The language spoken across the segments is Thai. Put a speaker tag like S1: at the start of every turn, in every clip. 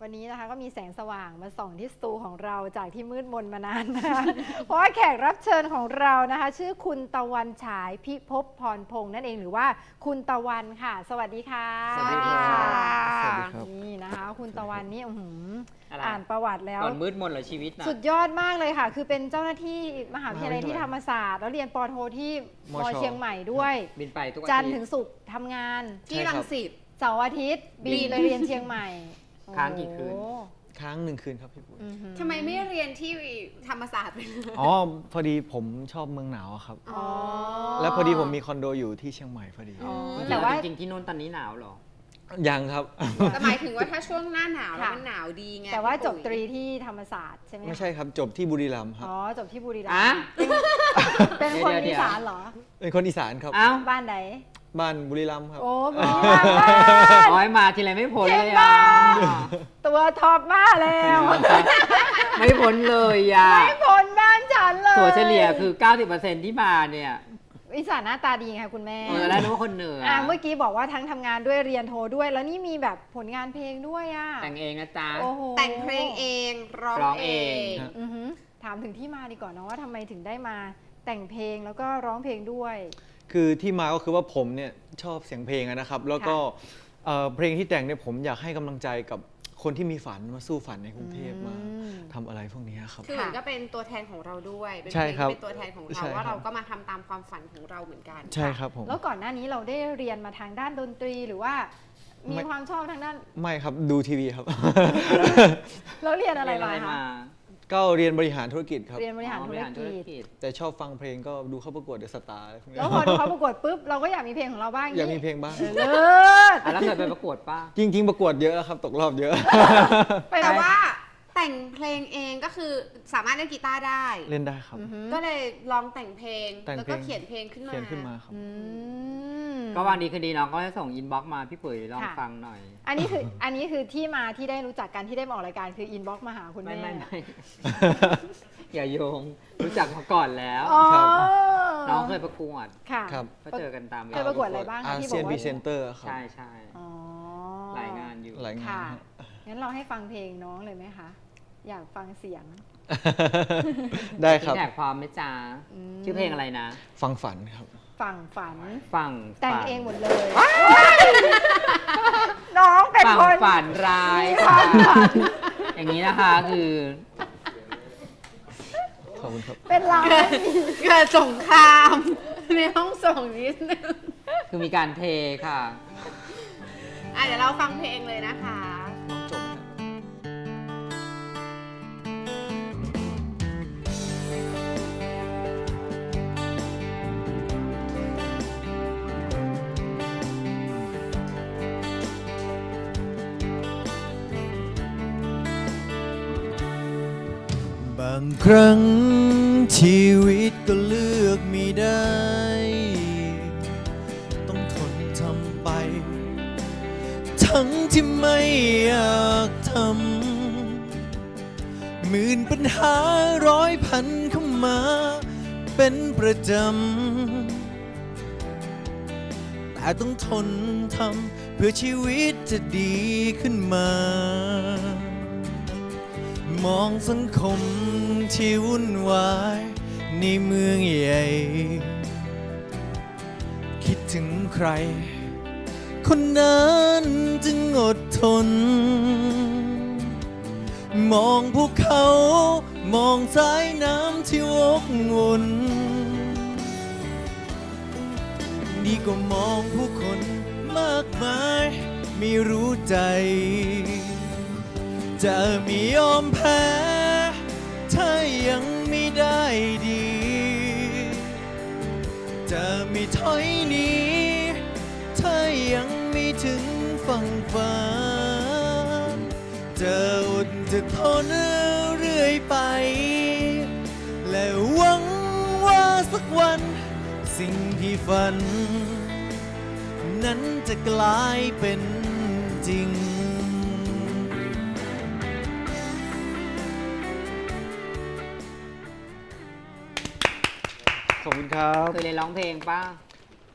S1: วันนี้นะคะก็มีแสงสว่างมาส่องที่สตูของเราจากที่มืดมนมานานนะคะ เพราะว่าแขกรับเชิญของเรานะคะชื่อคุณตะวันฉายพิภพพรพงษ์นั่นเองหรือว่าคุณตะวันค่ะสวัสดีค่ะ
S2: สวัสดีค่ะ
S3: สวัสดีครับ
S1: นี่นะคะคุณตะวันนี่
S2: อะไร
S1: อ่านประวัติแล้ว
S2: ก่อนมืดมนเหรอชีวิตนะ
S1: สุดยอดมากเลยค่ะ คือเป็นเจ้าหน้าที่มหาวิทยาลัยที่ธรรมศาสตร์แล้วเรียนปอโทที่ม
S3: ช
S1: เชียงใหม่ด้วย
S2: บินไปทุก
S1: จั
S2: อาน
S1: ทร์
S2: ทิ
S1: ถึ
S2: ต
S1: ง
S2: ย์
S1: ศุกร์ทำงาน
S3: ที่รังสิต
S1: เสาร์อาทิตย์บินไปเรียนเชียงใหม่
S2: ค้างกี่คืน
S1: โอ้โห
S3: ค้าง1 คืนครับพี่ปุ๋ย
S1: อื้อหือ
S4: ทำไมไม่เรียนที่ธรรมศาสตร์ไปเลย
S3: อ๋อพอดีผมชอบเมืองหนาวอะครับ
S1: อ๋อ
S3: แล้วพอดีผมมีคอนโดอยู่ที่เชียงใหม่พอดี
S1: อ๋อ
S2: แต่
S1: แต่
S2: ว่า
S1: ว่า
S2: จริงๆที่นู่นตอนนี้หนาวเหรอ
S3: ยังครับ
S4: แต่หมายถึงว่าถ้าช่วงหน้าหนาวแล้ว
S1: ค่ะ
S4: มันหนาวดีไง
S1: แต่ว่าจบ
S4: พี่
S1: ต
S4: ปุ๋ย
S1: รีที่ธรรมศาสตร์ใช่ไหมคะ
S3: ไม่ใช่ครับจบที่บุรีรัมย์ครับ
S1: อ๋อจบที่บุรีรัม
S2: อ่ะ
S1: ย์เป็นคน
S2: เดี๋
S1: อี
S2: ยว
S1: สานเหรอ
S3: เป็นคนอีสานครับ
S2: อ้าว
S1: บ้านไหน
S3: บ้านบุรีรัมย์ครับ
S1: โอ้บุรีรัมย์บ้าน
S2: อ๋อยมาทีไรไม่พ้นเลย
S1: เก่
S2: อ่ะ
S1: งมาก ตัวท็อปมากแล้ว
S2: ไม่พ้นเลยอ่ะ
S1: ไม่พ้นบ้านฉันเลย
S2: ถั่วเฉลี่ยคือ 90%ที่มาเนี่ย
S1: อีสานหน้าตาดีค่ะคุณแม่
S2: แล้วนึกว่าคนเหนือ
S1: เมื่อกี้บอกว่าทั้งทำงานด้วยเรียนโทด้วย แล้วนี่มีแบบผลงานเพลงด้วยอ่ะ
S2: แต่งเองนะจ๊ะ
S1: โอ้โห
S4: แต่งเพลงเองร้อง
S2: ร้อง
S4: เอ
S2: เอง
S4: ง
S3: ครับ
S1: อือหือถามถึงที่มาดีกว่าเนาะว่าทำไมถึงได้มาแต่งเพลงแล้วก็ร้องเพลงด้วย
S3: คือที่มาก็คือว่าผมเนี่ยชอบเสียงเพลงอะนะครับ แล้วก็เพลงที่แต่งเนี่ยผมอยากให้กำลังใจกับคนที่มีฝันมาสู้ฝันในกรุงเทพมาทำอะไรพวกนี้ครับ
S4: คือเหมือนก็เป็นตัวแทนของเราด้วยเป็น
S3: ใช่ครับ
S4: เป็นตัวแทนของ
S3: ใช่
S4: เรา
S3: ครับ
S4: ว่าเราก็มาทำตามความฝันของเราเหมือนกัน
S3: ใช่ครับผม
S1: แล้วก่อนหน้านี้เราได้เรียนมาทางด้านดนตรีหรือว่ามี
S3: ไม่
S1: ความชอบทางด้าน
S3: ไม่ครับดูทีวีครับ
S1: แล้วเรียนอะไร
S2: เรียน
S1: มา
S2: อะไร
S1: คะ
S2: มา
S3: ก็เรียนบริหารธุรกิจครับ
S1: เรียนบริหารธุรกิจ
S3: แต่ชอบฟังเพลงก็ดูเข้าประกวดเดอะสตาร์อะไรพวกนี้
S1: แล้วพอดูเขาประกวดปุ๊บเราก็อยากมีเพลงของเราบ้าง
S3: อยากมีเพลงบ้าง
S1: เลิศ
S2: อ่ะแล้วเคยไปประกวดป่ะ
S3: จริง ๆ ประกวดเยอะครับตกรอบเยอะ
S1: ไป
S4: แต่
S1: ไหม
S4: ว่าแต่งเพลงเองก็คือสามารถเล่นกีตาร์ได้
S3: เล่นได้ครับ
S1: อือหือ
S4: ก็เลยลองแต่งเพลง
S3: แต่ง
S4: แล้ว
S3: เพล
S4: ก็
S3: ง
S4: เขียนเพลงขึ้นมา
S3: เขียนขึ้นมาครับ
S1: อืม
S2: ก็วันดีคืนดีน้องก็จะส่งอินบ็อกซ์มาพี่ปุ๋ยลอง
S1: ค่ะ
S2: ฟังหน่อย
S1: อันนี้คือที่มาที่ได้รู้จักกันที่ได้มาออกรายการคืออินบ็อกซ์มาหาคุณ
S2: ไม่
S1: แม่
S2: ไม่ไม่ อย่าโยงรู้จักมาก่อนแล้ว
S1: อ๋อ
S3: ครับ
S2: น้องเคยประกวด
S1: ค่ะ
S3: ครับ
S2: ก็เจอกันตาม
S1: เคยประกวดอะไรบ้าง
S3: อา
S1: ที่บ
S3: เซี
S1: อย ก
S3: น
S1: ว่า
S3: พรีเซนเตอร์ครับ
S2: ใช่ใช่
S1: อ๋อ
S2: หลายงานอยู่
S3: หลายงาน
S1: ค่ะ
S3: ครับ
S1: งั้นเราให้ฟังเพลงน้องเลยไหมคะ อยากฟังเสียง
S3: ได้ครับ
S2: แท็กพร้อมไหมจ๊ะ
S1: อืม
S2: ชื่อเพลงอะไรนะ
S3: ฟังฝันครับ
S1: ฝั่งฝัน
S2: ฝั่ง
S1: แต่ง
S2: ฝัน
S1: เองหมดเลย น้องเป็น
S2: ฝั่ง
S1: คน
S2: ฝันร้าย
S1: มีความฝัน
S2: อย่างนี้นะคะคือ
S3: ขอบคุณครับ
S1: เป็นเรา
S4: เกิดสงครามในห้องส่งนิดนึง
S2: คือมีการเทค่ะ
S4: เดี๋ยวเราฟังเพลงเลยนะคะ
S3: น้องจบครับ บางครั้งชีวิตก็เลือกไม่ได้ ต้องทนทำไป ทั้งที่ไม่อยากทำหมื่นปัญหาร้อยพันเข้ามาเป็นประจำ แต่ต้องทนทำเพื่อชีวิตจะดีขึ้นมา มองสังคมที่วุ่นวายในเมืองใหญ่ คิดถึงใคร คนนั้นจึงอดทน มองพวกเขามองสายน้ำที่วกวนดีกว่ามองผู้คนมากมายไม่รู้ใจ จะไม่ยอมแพ้ถ้ายังไม่ได้ดี จะไม่ถอยหนีถ้ายังไม่ถึงฝั่งฝันจะอดจะทนเรื่อยไป และหวังว่าสักวันสิ่งที่ฝัน นั้นจะกลายเป็นจริง ขอบคุณครับ
S2: เคยเรียนร้องเพลงป่ะ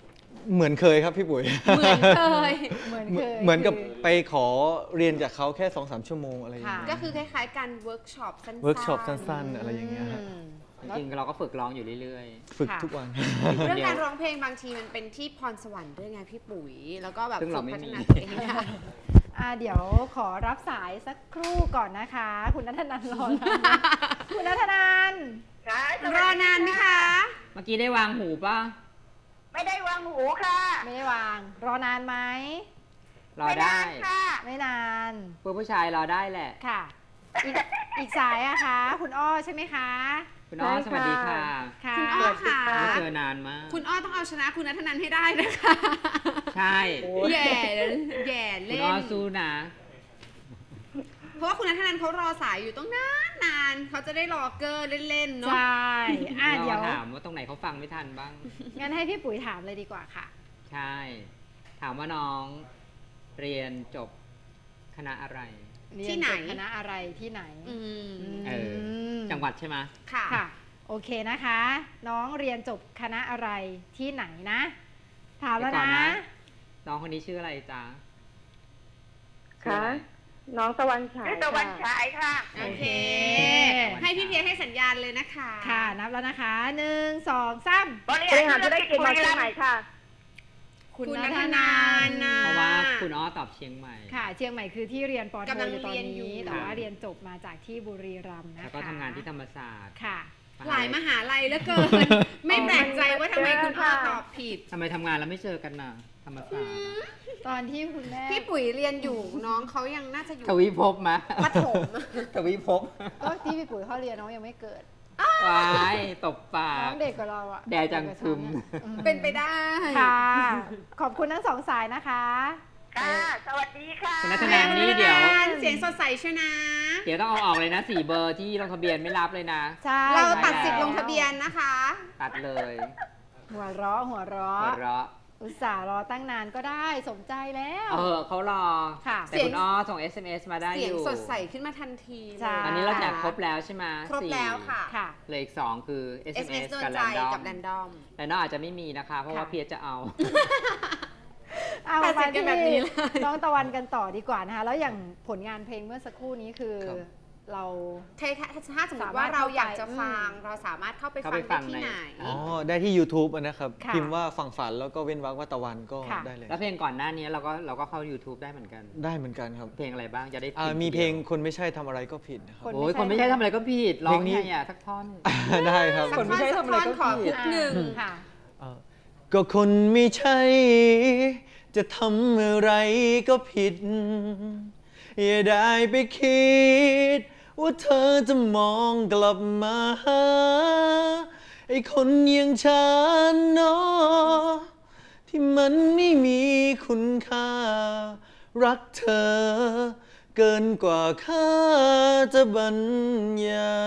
S3: เหมือนเคยครับพี่ปุ๋ย
S4: เหมือนเคย
S1: เหมือนเคย
S3: เหมือนกับ
S1: คือ
S3: ไปขอเรียนจากเขาแค่ 2-3 ชั่วโมงอะไรอย่างเงี้ย
S1: ค่ะ
S4: ก็คือคล้ายๆการเวิร์กช็อปสั้นๆ
S3: เวิร์กช็อปสั้นๆ อะไรอย่างเงี้ยฮะ
S1: อืม
S2: จริงๆเราก็ฝึกร้องอยู่เรื่อย
S3: ฝึก
S1: ค่ะ
S3: ทุกวัน
S4: เรื่องการร้องเพลงบางทีมันเป็นที่พรสวรรค์ด้วยไงพี่ปุ๋ย แล้วก็แบบ
S2: ซึ่ง
S4: ฝึ
S2: เรา
S4: ก
S2: ไม่
S4: พัฒ
S2: มี
S4: นาตัวเองได้
S1: เดี๋ยวขอรับสายสักครู่ก่อนนะคะ คุณนัทนันรอนะคุณนัทนัน
S5: ค่ะ
S4: รอนานไหมคะ
S2: ๆ เมื่อกี้ได้วางหูป่ะ
S5: ไม่ได้วางหูค่ะ
S1: ไม่ได้วาง รอนานไหม
S2: รอได้
S5: ม่นานค่ะ
S1: ไม่นาน
S2: ผู้ชายรอได้แหละ
S1: ค่ะ อีกสายอะคะ คุณอ้อใช่ไหมคะ
S2: คุณอ้อสวัสดีค่ะ
S1: ค่ะ
S4: คุณอ้อค่ะ
S2: ไม่เจอนานมาก
S4: คุณอ้อต้องเอาชนะคุณนัทนันให้ได้นะคะ
S2: ใช่
S4: แย่แย่
S2: คุ
S4: เล่
S2: ณ
S4: น
S2: อ้อสู้นะ
S4: เพราะว่าคุณนัทนันเขารอสายอยู่ต้องนานเขาจะได้รอเกอร์เล่นๆ
S1: ใช
S4: เนาะ
S1: ่เดี๋ยว
S2: เราถามว่าตรงไหนเขาฟังไม่ทันบ้าง
S1: งั้นให้พี่ปุ๋ยถามเลยดีกว่าค่ะ
S2: ใช่ ถามว่าน้องเรียนจบคณะอะไร
S4: ที่ไหน
S1: เรียจบคณะอะไรที่ไหน
S4: อืม
S2: เออ
S1: ม
S2: จังหวัดใช่ไหม
S4: ค่ะ
S1: ค่ะ โอเคนะคะ น้องเรียนจบคณะอะไรที่ไหนนะ ถามแล้ว
S2: เดี๋ยวก่อน
S1: นะ
S2: นะ น้องคนนี้ชื่ออะไรจ๊ะ
S6: ค่ะ น้องตะวันฉาย
S5: ชื่อตะวัน
S6: ค่ะ
S5: ฉายค่ะ
S4: โอเค
S1: โอเค
S4: ให้พี่เพียรให้สัญญาณเลยนะคะ
S1: ค่ะ นับแล้วนะคะ 1 2 3
S5: บริ
S6: บริหา
S5: หาร ร
S6: ธุ
S5: ธุ
S6: ร
S5: ร
S6: กิ
S5: กิ
S6: จ
S5: จ
S6: มา
S5: บุรี
S6: เชีย
S5: รั
S6: ง
S5: ม
S6: ใหม่
S5: ย์
S6: ค่ะ
S1: คุณ
S4: นั
S1: นั
S4: ท
S1: ท
S4: นั
S1: นั
S4: น
S1: น
S4: นะ
S2: เพราะว่าคุณอ้อตอบเชียงใหม่
S1: ค่ะ เชียงใหม่คือที่เรียนปอโท
S4: กำลัง
S1: อยู่ตอน
S4: เรียนอยู่
S1: นี้ แต่ว่าเรียนจบมาจากที่บุรีรัมย์นะคะ
S2: แล้วก็ทำงานที่ธรรมศาสตร์
S1: ค่ะ
S4: หลายมหาลัยเหลือเกิน ไม่แปลกใจว่าทำไมคุณอ้อตอบผิด
S2: ทำไมทำงานแล้วไม่เจอกันน่ะ ธรรมศาสตร์
S1: ตอนที่คุณแม่
S4: พี่ปุ๋ยเรียนอยู่น้องเขายังน่าจะอยู่
S2: ทวิภพมะ
S4: ประถม
S2: ทวิภพ
S1: ก็ที่พี่ปุ๋ยเขาเรียนน้องยังไม่เกิด
S2: วายตบปา
S1: น้
S2: ก
S1: องเด็กกว่าเราอะ
S2: แดจังคึม
S4: เป็นไปได้
S1: ค่ะ ขอบคุณทั้งสองสายนะคะ
S5: ค่ะ สวัสดีค่ะ
S2: คุณนัทนันนี่เดี๋ยว
S4: เสียงสดใสใช่นะ
S2: เดี๋ยวต้องเอาออกเลยนะ4 เบอร์ที่ลงทะเบียนไม่รับเลยนะ
S1: ใช่
S4: เราตัดสิทธิ์ลงทะเบียนนะคะ
S2: ตัดเลย
S1: หัวเราะหัวเราะ
S2: หัวเราะ
S1: อุตส่าห์รอตั้งนานก็ได้สมใจแล้ว
S2: เขารอ
S1: ค่ะ
S2: แต่คุณอ้อส่ง SMS มาได้
S4: เสี
S2: อย
S4: ง
S2: ยู่
S4: สดใสขึ้นมาทันทีเลย
S1: ใช่
S2: ตอนนี้เราแจกครบแล้วใช่ไหม
S4: ครบแล้วค่ะ
S1: ค่ะ
S2: เหลืออีก2คือ
S4: SMS
S2: SMS
S4: โดน
S2: กับ
S4: ใจ
S2: แรนดอ
S4: กับ
S2: ม
S4: แรนดอม
S2: แรนดอมอาจจะไม่มีนะคะ เพราะว่า
S1: ค่ะ
S2: เพียรจะเอา
S1: เอา
S4: ตัดสิ
S1: มาน
S4: กัน
S1: ที่
S4: แบบนี้เลย
S1: น้องตะวันกันต่อดีกว่านะคะ แล้วอย่างผลงานเพลงเมื่อสักครู่นี้คือ
S3: ครับ
S1: เรา
S4: ถ้าสมมติว่าเราอยากจะฟัง เราสามารถเข้าไป
S2: เข้า
S4: ฟั
S2: ไป
S4: ง
S2: ฟั
S4: ได้
S2: ง
S4: ที่
S2: ใน
S4: ไหน
S3: อ๋อ ได้ที่ YouTube นะครับ
S1: ค่ะ
S3: พิมพ์ว่าฝั่งฝันแล้วก็เว้นวรรคว่าตะวันก็
S1: ค่ะ
S3: ได้เลย
S2: แล้วเพลงก่อนหน้านี้เราก็เข้า YouTube ได้เหมือนกัน
S3: ได้เหมือนกันครับ
S2: เพลงอะไรบ้างจะได้
S3: มีเพลงคนไม่ใช่ทำอะไรก็ผิดนะครับ
S2: โอ้ยคนไม่ใช่ทำอะไรก็ผิดร้อง
S3: เพลงนี้
S2: ไงอ่ะสักท่อน
S3: ได้ครับ
S2: คนไม่ใช่ทำอะไรก็
S4: ขอ
S2: ผิ
S4: คุ
S2: ด
S4: กหนึ่ง
S1: ค่ะ
S3: ก็คนไม่ใช่ จะทำอะไรก็ผิด อย่าได้ไปคิด ว่าเธอจะมองกลับมาหาไอ้คนอย่างฉันเนาะที่มันไม่มีคุณค่า รักเธอ เกินกว่าค่าจะบรรยาย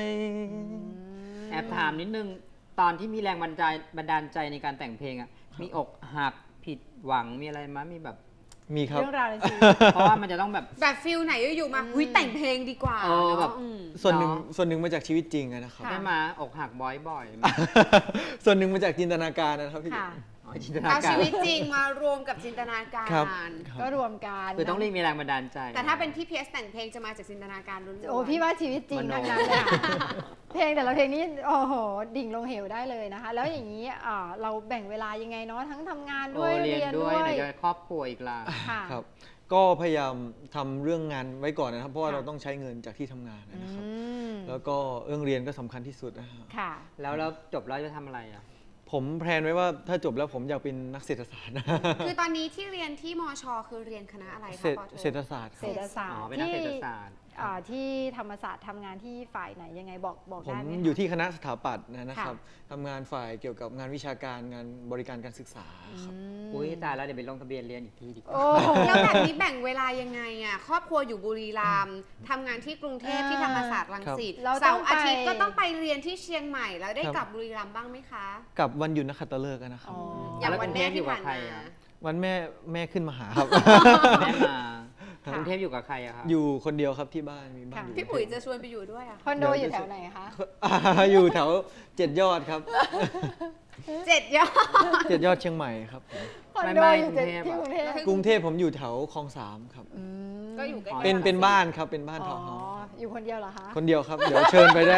S2: แอบถามนิดนึง ตอนที่มีแรงบันดาลใจในการแต่งเพลงอ่ะ มีอกหักผิดหวังมีอะไรมั้ยมีแบบ
S3: มีครับ
S1: เรื่องราวในชีวิต
S2: เพราะว่ามันจะต้องแบบ
S4: แบบฟิลไหนอยู่ๆมาหุยแต่งเพลงดีกว่า
S2: เออแบบ
S4: เนาะอืม
S3: ส่วนหนึ่ง
S2: เนาะ
S3: ส่วนหนึ่งมาจากชีวิตจริงอะนะครับ
S1: ค่ะ
S2: ได้มาอกหักบ่อย
S3: ส่วนหนึ่งมาจากจินตนาการนะครับพี่
S1: ค่ะ
S2: ๆอ๋อจินตนา
S4: เอา
S2: กา
S4: ชี
S2: ร
S4: วิตจริงมารวมกับจินตนาการ
S3: ครับ
S1: ก็รวมกัน
S2: คือต้องเรียกมีแรงบันดาลใจ
S4: แต่ถ้าเป็นพี่เพียสแต่งเพลงจะมาจากจินตนาการล้วนๆ
S1: โอ้พี่ว่าชีวิตจริง
S2: มโน
S1: ทั้งนั้นเลยค่ะเพลงแต่ละเพลงนี้โอ้โห ดิ่งลงเหวได้เลยนะคะ แล้วอย่างนี้เราแบ่งเวลายังไงเนาะทั้งทำงานด้วย
S2: เรียนด้วย
S1: ด้
S2: ไหน
S1: วย
S2: จะครอบครัวอีกล่ะ
S1: ค่ะ
S3: ครับ ก็พยายามทำเรื่องงานไว้ก่อนนะครับ เพราะว่า
S1: ค่ะ
S3: เราต้องใช้เงินจากที่ทำงาน
S1: อื
S3: นะครับ
S1: ม
S3: แล้วก็เรื่องเรียนก็สำคัญที่สุดนะครับ
S1: ค่ะ
S2: แล้วจบแล้วจะทำอะไรอ่ะ
S3: ผมแพลนไว้ว่าถ้าจบแล้วผมอยากเป็นนักเศรษฐศาสตร์
S4: คือตอนนี้ที่เรียนที่มช คือเรียนคณะอะไร
S3: เศร
S4: คะ
S3: ษ
S4: ปอโท
S3: เศรษฐศาสตร์ค
S1: เศ
S3: รั
S1: ร
S3: บ
S1: ษฐศาสต
S2: อ๋อ
S1: ร์
S2: เป็นนักเศรษฐศาสตร์
S1: ที่ธรรมศาสตร์ทำงานที่ฝ่ายไหนยังไงบอก
S3: ผม
S1: ได้ไหมคะ
S3: อยู่ที่คณะสถาปัตย์นะครับ
S1: ค่ะ
S3: ทำงานฝ่ายเกี่ยวกับงานวิชาการงานบริการการศึกษาครับ
S2: อุ้ยตายแล้วเดี๋ยวไปลงทะเบียนเรียนอีกทีดีกว่า
S1: โอ้โห
S4: แล้วแบบนี้แบ่งเวลายังไงอ่ะครอบครัวอยู่บุรีรัมย์ทำงานที่กรุงเทพที่ธรรมศาสตร์รังสิต
S1: เราต้
S4: เสา
S1: อง
S4: ร์
S1: ไป
S4: อาทิตย์ก็ต้องไปเรียนที่เชียงใหม่แล้วได้
S3: ครับ
S4: กลับบุรีรัมย์บ้างไหมคะ
S3: กับวันหยุดนักขัตฤกษ์นะครับ
S1: อ๋อ
S4: อย่างวันแม่ที่ผ่าน
S2: แล้วกรุงเทพอยู่กับใคร
S4: มา
S2: อะ
S3: วันแม่ขึ้นมาหาครับ
S2: แม่มา
S1: ค่ะ
S2: กรุงเทพอยู่กับใครอะครับ
S3: อยู่คนเดียวครับที่บ้านมีบ้าน
S1: ค่ะ
S3: อยู่
S4: พี่ปุ๋ยจะชวนไปอยู่ด้วยอ่ะ
S1: คอนโดอยู่แถวไหนคะ
S3: อยู่แถว7 ยอดครับ
S4: 7 ยอด
S3: 7 ยอดเชียงใหม่ครับผม
S1: คอนโดอยู่ที่กรุงเทพ
S3: กรุงเทพผมอยู่แถวคลอง 3ครับ
S4: ก็อยู่ใกล้ๆ
S3: เป็นบ้านครับเป็นบ้าน
S1: อ๋
S3: ทา
S1: อ
S3: วน์เฮาส์
S1: อยู่คนเดียวเหรอคะ
S3: คนเดียวครับ เดี๋ยวเชิญไปได้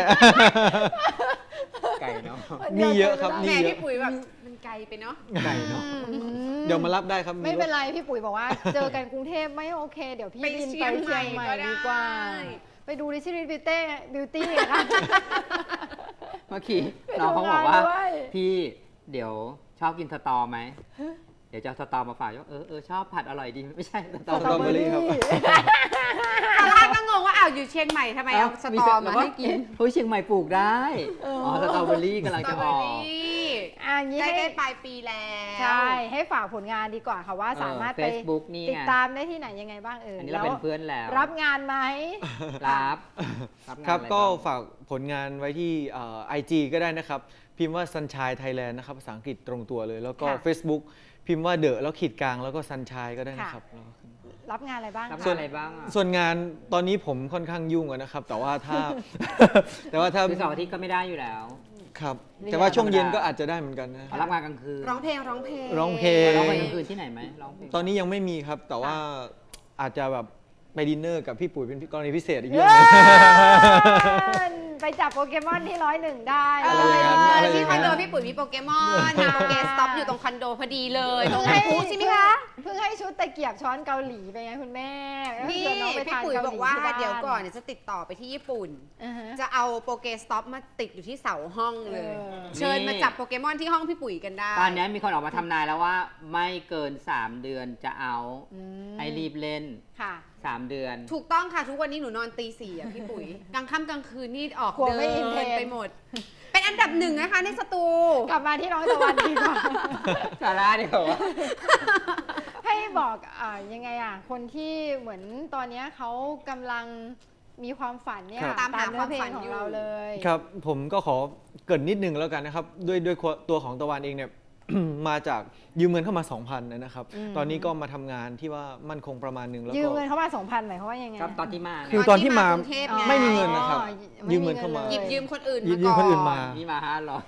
S2: ไก่เนาะ
S3: นี่เยอะครับ
S4: แหม่
S3: นี่เย
S4: พี่
S3: อะ
S4: ปุ๋ยแบบมันไกลไปเนาะ
S2: ไก่เนาะ
S3: เดี๋ยวมารับได้ครับ
S1: ไม่เป็นไรพี่ปุ๋ยบอกว่า เจอกันกรุงเทพไม่โอเค เดี๋ยวพี่
S4: ไป
S1: บิน
S4: เชี
S1: ไป
S4: ยง
S1: เชียงใหม่
S4: ใหม่ก็ได้
S1: ดีกว่า ไปดูดิชิริบิวตี้ค่ะ
S2: เมื่อกี้น้องเขาบอกว่า
S1: ไปดูงานด้วย
S2: พี่เดี๋ยวชอบกินสตอไหม เดี๋ยวจะเอาสตอมาฝากว่าชอบผัดอร่อยดีไม่ใช่สตอ
S3: สตรอเบอรี่ครับ
S4: ตอนแรกก็งงว่าอ้าวอยู่เชียงใหม่ทำไมเอาสตอมาให้กิน
S2: เฮ้ยเชียงใหม่ปลูกได้อ๋อสตรอเบอรี่กำลัง
S4: สตร
S2: จะ
S4: อเบ
S2: อ
S4: อ
S2: อก
S4: รี่
S1: อย่างนี้
S4: ใก
S1: ให้
S4: ล้ๆปลายปีแล้ว
S1: ใช่ ให้ฝากผลงานดีกว่าค่ะว่าสามารถไป
S2: Facebook นี่ไง
S1: ติดตามได้ที่ไหนยังไงบ้าง
S2: อันนี้เราเป็นเพื่อนแล้ว
S1: รับงานไหม
S2: รับงาน
S3: ครับ
S2: อะไร
S3: ก็
S2: บ้าง
S3: ฝากผลงานไว้ที่IG ก็ได้นะครับ พิมพ์ว่า Sunshine Thailand นะครับภาษาอังกฤษตรงตัวเลย แล้วก็
S1: ค่ะ
S3: Facebook พิมพ์ว่าเดอะแล้วขีดกลางแล้วก็ Sunshine ก็ได้นะครับ
S1: รับงานอะไรบ้าง
S2: รับ
S1: คะ
S2: งานอะไรบ้างอ่ะ
S3: ส่วนงานตอนนี้ผมค่อนข้างยุ่งอะนะครับ แต่ว่าถ้า แต่ว่าถ้า
S2: คือเสาร์อาทิตย์ก็ไม่ได้อยู่แล้ว
S3: ครับ แต่ว่าช่วงเย็นก็อาจจะได้เหมือนกันนะ
S2: รับงานกลางคืน
S4: ร้องเพลง
S3: ร้องเพลง
S2: ร้องเพลงกลางคืนที่ไหนไหมร้องเพลง
S3: ตอนนี้ยังไม่มีครับ แต่ว่าอาจจะแบบไปดินเนอร์กับพี่ปุ๋ยเป็นกรณีพิเศษอีกเรื่องหนึง
S1: ไปจับโปเกมอนที่101 ได้
S3: อะไรอย่างนั้นอะไรอย่างนั้น
S4: ที่คอนโดพี่ปุ๋ยมีโปเกมอนมีโปเกสต็อปอยู่ตรงคอนโดพอดีเลยตรงไหนพูใช่ไหมคะ
S1: เพิ่งให้ชุดตะเกียบช้อนเกาหลีไปไงคุณแม่
S4: นี่
S1: ชวนน้องไป
S4: พี่
S1: ทาน
S4: ปุ๋ย
S1: เาห
S4: บ
S1: ลี
S4: อกว่า
S1: ที่บ้น
S4: เดี๋ยวก่อนเนี่ยจะติดต่อไปที่ญี่ปุ่น
S1: อือฮะ
S4: จะเอาโปเกสต็อปมาติดอยู่ที่เสาห้องเลย
S1: เออ
S4: เชิญมาจับโปเกมอนที่ห้องพี่ปุ๋ยกันได้
S2: ตอนนี้มีคนออกมาทำนายแล้วว่าไม่เกิน 3 เดือนจะเอา
S1: อืม
S2: ให้รีบเล่น
S1: ค่ะ
S2: 3 เดือน
S4: ถูกต้องค่ะ ทุกวันนี้หนูนอนตี 4อ่ะพี่ปุ๋ย กลางค่ำกลางคืนนี่ออก
S1: กลัว
S4: เดิ
S1: ไม่อินเทรน
S4: นไปหมด เป็นอันดับหนึ่งนะคะในสตู
S1: กลับมาที่น้องตะวันดีกว่า
S2: สาระเดียวว่า
S1: ให้บอกยังไงคนที่เหมือนตอนเนี้ยเขากำลังมีความฝันเนี่ย
S3: ครับ
S4: ตามหา
S1: เนื้อเพล
S4: ความฝั
S1: ง
S4: น
S1: ของ
S4: อยู่
S1: เราเลย
S3: ครับผมก็ขอเกรินนิดนึงแล้วกันนะครับด้วยตัวของตะวันเองเนี่ย มาจากยืมเงินเข้ามา 2,000 นะครับ ตอนนี้ก็มาทำงานที่ว่ามั่นคงประมาณนึงแล้ว
S1: ยืม
S3: ก็
S1: เงินเข้ามา 2,000หมายความว่ายังไง
S2: ครับตอนที่มา
S3: คือตอนที่มา
S4: กรุงเทพไง
S3: ไม่มีเงินนะครับ
S1: อ๋อ
S3: ยืมเงินเข้ามา
S4: หยิบยืมคนอื่น
S3: ยืมคนอื่นมา
S2: นี่มา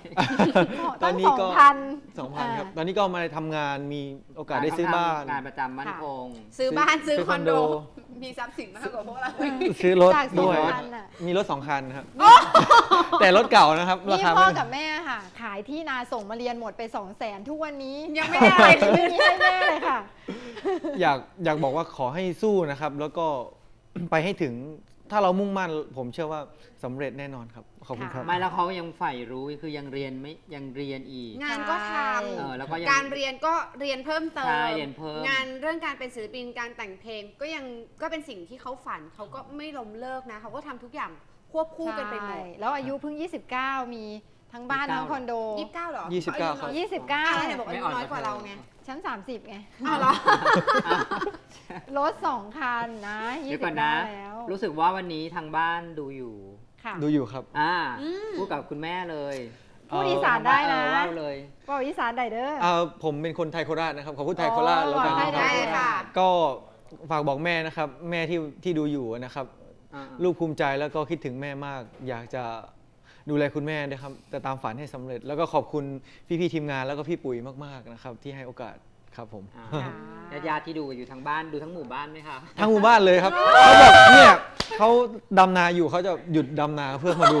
S2: 500
S3: ตอนนี้ก็
S1: 2,000
S3: 2,000 ครับ ตอนนี้ก็มาทำงานมีโอกาสได้ซื้อบ้าน
S2: งานประจำมั่นคง
S4: ซื้อบ้านซื้อ
S3: ซื้อ
S4: คอนโด
S3: คอนโด
S4: มีทรัพย์สินมากกว่าพวกเรา
S3: ซื้อรถ
S1: จาก
S3: ด้วย
S1: 2,000น่ะ
S3: มีรถ 2 คันครับ แต่รถเก่านะครับ รา
S1: นี่
S3: คา
S1: พ่อ
S3: ไม่
S1: กับแม่ค่ะ ขายที่นาส่งมาเรียนหมดไป 200,000 ทุกวันนี้
S4: ยังไม่ได้อะไร
S1: ไม่มีให้แม่เลยค่ะ
S3: อยากบอกว่าขอให้สู้นะครับ แล้วก็ ไปให้ถึงถ้าเรามุ่งมั่นผมเชื่อว่าสำเร็จแน่นอนครับ ขอบคุณครับ
S2: ไม่แล้วเขายังใฝ่รู้คือยังเรียนไม่ยังเรียนอีก
S4: งานก็ท
S2: แล้วก็ยัง
S4: ำการเรียนก็เรียนเพิ่มเติม
S2: ใช่เรียนเพิ่ม
S4: งานเรื่องการเป็นศิลปินการแต่งเพลงก็เป็นสิ่งที่เขาฝันเขาก็ไม่ล้มเลิกนะเขาก็ทำทุกอย่างควบคู่กันไปหมด
S1: ใช่แล้วอายุเพิ่ง 29 มีทั้งบ้านทั้งคอนโด
S4: 29เหรอ
S3: 29ครับ
S4: แล้วเนี่ยบอกอายุน้อยกว่าเราไง
S1: ชั้น 30 ไง
S4: อ้าวเหรอ
S1: รถ 2 คันนะ
S2: เดี๋ยวก่อนนะ
S1: 29แล้ว
S2: รู้สึกว่าวันนี้ทางบ้านดูอยู่
S1: ค่ะ
S3: ดูอยู่ครับ
S2: พูดกับคุณแม่เลย
S1: พูดอีสานได้นะ
S2: เล่าเลย
S1: ว่าอีสานได้เด้อ
S3: ผมเป็นคนไทยโคราชนะครับ ขอพูดไทยโคราชแล้วกัน
S1: ได้
S3: นะครับ
S4: ได้ค่ะ
S3: ก็ฝากบอกแม่นะครับ แม่ที่ดูอยู่นะครับ ลูกภูมิใจแล้วก็คิดถึงแม่มาก อยากจะดูแลคุณแม่นะครับแต่ตามฝันให้สำเร็จ แล้วก็ขอบคุณพี่ๆทีมงานแล้วก็พี่ปุ๋ยมากๆนะครับ ที่ให้โอกาสครับผม
S2: ญาติๆที่ดูอยู่ทางบ้านดูทั้งหมู่บ้านไหมคะ
S3: ทั้งหมู่บ้านเลยครับ เขาบอกเนี่ยเขาดำนาอยู่เขาจะหยุดดำนาเพื่อมาดู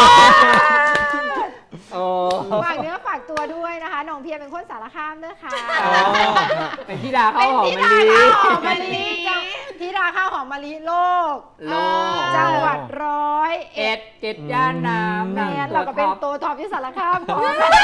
S1: ฝากเนื้อฝากตัวด้วยนะคะน้องเพียรเป็นคนสารคามเด้อค่ะ
S2: เป็นธิดาข้าวหอมมะลิ
S1: หอมมะลิธิดาข้าวหอมมะลิโลก
S2: โลก
S1: จังหวัด101
S2: เอ็ดย่านน้ำ
S1: แม่นเราก็เป็นตัวท็อปที่สารคามพอ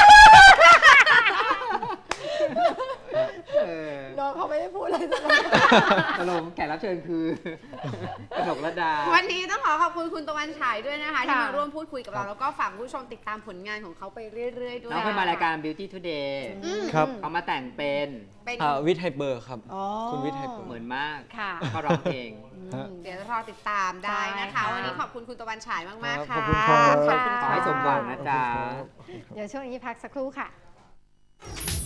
S1: น้องเขาไม่ได้พูดเลยสัก
S2: ตลกแขกรับเชิญคือกนกระดา
S4: วันนี้ต้องขอบคุณคุณตะวันฉายด้วยนะคะที่มาร่วมพูดคุยกับเราแล้วก็ฝากผู้ชมติดตามผลงานของเขาไปเรื่อยๆด้วย
S2: น้องเคยมารายการ Beauty Today
S3: ครับ
S2: เขามาแต่งเป็น
S4: เป็น
S3: วิทย์ไฮเปอร์ครับ
S1: อ๋อ
S3: คุณวิทย์ไฮเปอร์
S2: เหมือนมาก
S1: ค่ะ
S2: ก็ร้องเพลง
S4: เดี๋ยวรอติดตามได้นะ
S1: ใช่
S4: คะ
S1: ค่ะ
S4: วันนี้ขอบคุณคุณตะวันฉายมากๆ
S3: ขอ
S4: ค่ะ
S3: บคุณครับ
S1: ขอบคุณ
S2: ขอให้สมหวังนะจ๊ะ
S1: เดี๋ยวช่วงนี้พักสักครู่ค่ะ